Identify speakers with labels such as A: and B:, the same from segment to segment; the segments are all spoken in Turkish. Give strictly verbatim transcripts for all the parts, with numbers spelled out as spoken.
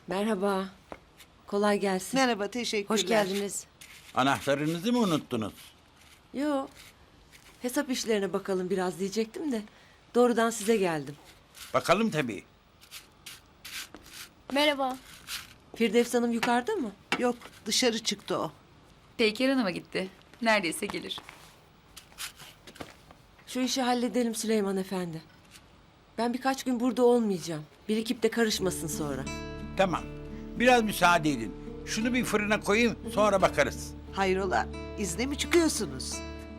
A: Merhaba. Kolay gelsin.
B: Merhaba, teşekkürler.
A: Hoş geldiniz.
C: Anahtarınızı mı unuttunuz?
A: Yo. Hesap işlerine bakalım biraz diyecektim de. Doğrudan size geldim.
C: Bakalım tabii.
D: Merhaba.
A: Firdevs Hanım yukarıda mı?
B: Yok, dışarı çıktı o.
E: Peyker Hanım'a gitti. Neredeyse gelir.
A: Şu işi halledelim Süleyman Efendi. Ben birkaç gün burada olmayacağım. Birikip de karışmasın sonra.
C: Tamam. Biraz müsaade edin. Şunu bir fırına koyayım, sonra bakarız.
B: Hayrola, izne mi çıkıyorsunuz?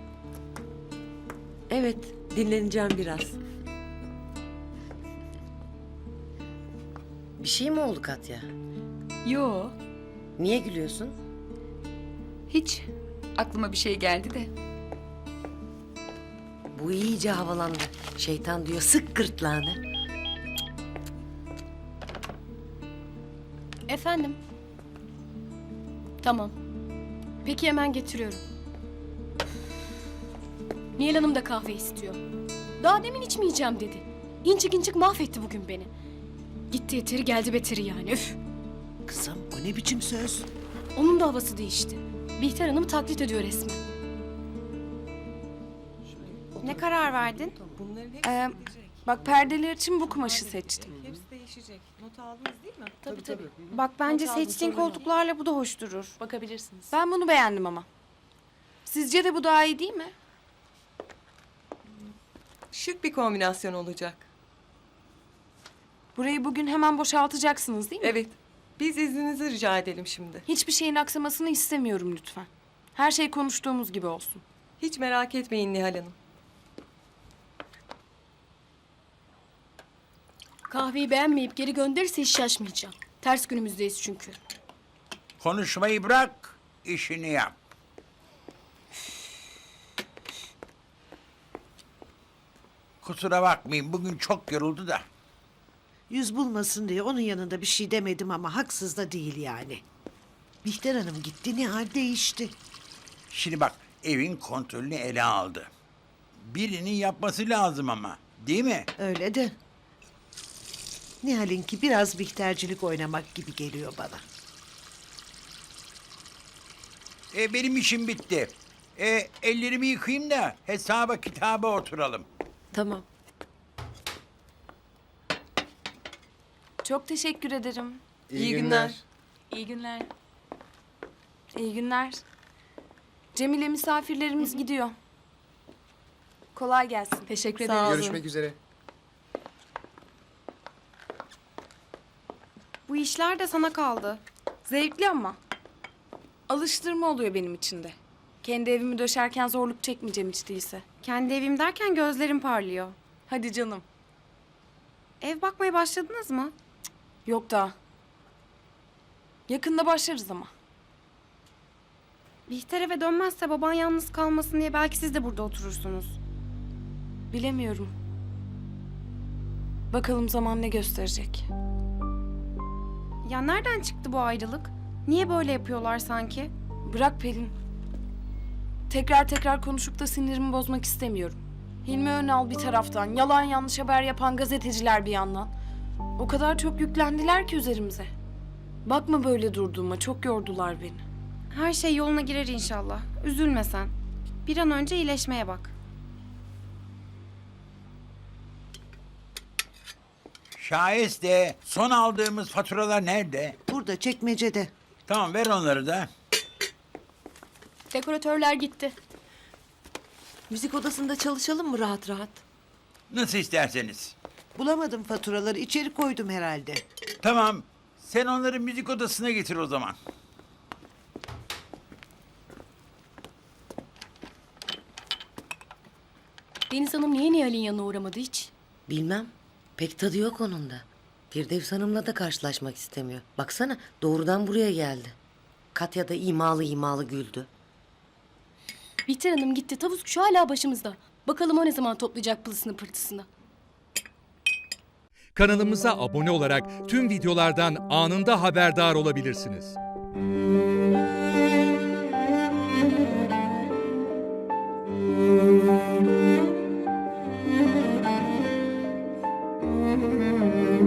A: Evet, dinleneceğim biraz.
F: Bir şey mi oldu Katya?
E: Yo,
F: Niye gülüyorsun?
E: hiç. Aklıma bir şey geldi de.
F: Bu iyice havalandı. Şeytan diyor sık gırtlağını.
D: Efendim? Tamam. Peki hemen getiriyorum. Nihal Hanım da kahve istiyor. Daha demin içmeyeceğim dedi. İncik incik mahvetti bugün beni. Gitti yeteri geldi beteri yani üf.
B: Kızım, o ne biçim söz?
D: Onun da havası değişti. Bihter Hanım taklit ediyor resmen.
G: Ne karar verdin? Ee, bak perdeler için bu kumaşı seçtim.
H: Hepsi değişecek. Not aldınız değil mi?
D: Tabii tabii.
G: Bak bence
D: Not aldım,
G: seçtiğin
D: sorun yok.
G: koltuklarla bu da hoş durur.
D: Bakabilirsiniz.
G: Ben bunu beğendim ama. Sizce de bu daha iyi değil mi?
H: Şık bir kombinasyon olacak.
G: Burayı bugün hemen boşaltacaksınız değil mi?
H: Evet. Biz izninizi rica edelim şimdi.
G: Hiçbir şeyin aksamasını istemiyorum lütfen. Her şey konuştuğumuz gibi olsun.
H: Hiç merak etmeyin Nihal Hanım.
D: Kahveyi beğenmeyip geri gönderirse hiç şaşmayacağım. Ters günümüzdeyiz çünkü.
C: Konuşmayı bırak, işini yap. Kusura bakmayın, bugün çok yoruldu da.
B: Yüz bulmasın diye onun yanında bir şey demedim ama haksız da değil yani. Bihter Hanım gitti, Nihal değişti.
C: Şimdi bak, evin kontrolünü ele aldı. Birinin yapması lazım ama, değil mi?
B: Öyle de. Nihal'inki biraz Bihtercilik oynamak gibi geliyor bana.
C: E, benim işim bitti. E, ellerimi yıkayayım da hesaba kitaba oturalım.
A: Tamam.
G: Çok teşekkür ederim.
H: İyi, günler.
G: İyi günler. İyi günler. Cemile misafirlerimiz gidiyor. Kolay gelsin.
D: Teşekkür
H: Sağ
D: ederim.
H: olun.
I: Görüşmek üzere.
G: Bu işler de sana kaldı. Zevkli ama. Alıştırma oluyor benim için de. Kendi evimi döşerken zorluk çekmeyeceğim hiç değilse.
J: Kendi evim derken gözlerim parlıyor.
G: Hadi canım.
J: Ev bakmaya başladınız mı?
G: Yok daha. Yakında başlarız ama.
J: Bihter eve dönmezse baban yalnız kalmasın diye belki siz de burada oturursunuz.
G: Bilemiyorum. Bakalım zaman ne gösterecek.
J: Ya nereden çıktı bu ayrılık? Niye böyle yapıyorlar sanki?
G: Bırak Pelin. Tekrar tekrar konuşup da sinirimi bozmak istemiyorum. Hilmi Önal bir taraftan, yalan yanlış haber yapan gazeteciler bir yandan. O kadar çok yüklendiler ki üzerimize. Bakma böyle durduğuma, çok yordular beni.
J: Her şey yoluna girer inşallah. Üzülme sen. Bir an önce iyileşmeye bak.
C: Şayeste son aldığımız faturalar nerede?
B: Burada, çekmecede.
C: Tamam, ver onları da.
D: Dekoratörler gitti.
A: Müzik odasında çalışalım mı rahat rahat?
C: Nasıl isterseniz.
B: Bulamadım faturaları, içeri koydum herhalde.
C: Tamam, sen onları müzik odasına getir o zaman.
D: Deniz Hanım niye Nihal'in yanına uğramadı hiç?
F: Bilmem. Pek tadı yok onun da. Firdevs Hanım'la da karşılaşmak istemiyor. Baksana doğrudan buraya geldi. Katya da imalı imalı güldü.
D: Bihter Hanım gitti. Tavus kuşu hala başımızda. Bakalım o ne zaman toplayacak pılısını pırtısını.
K: Kanalımıza abone olarak tüm videolardan anında haberdar olabilirsiniz.
B: Müzik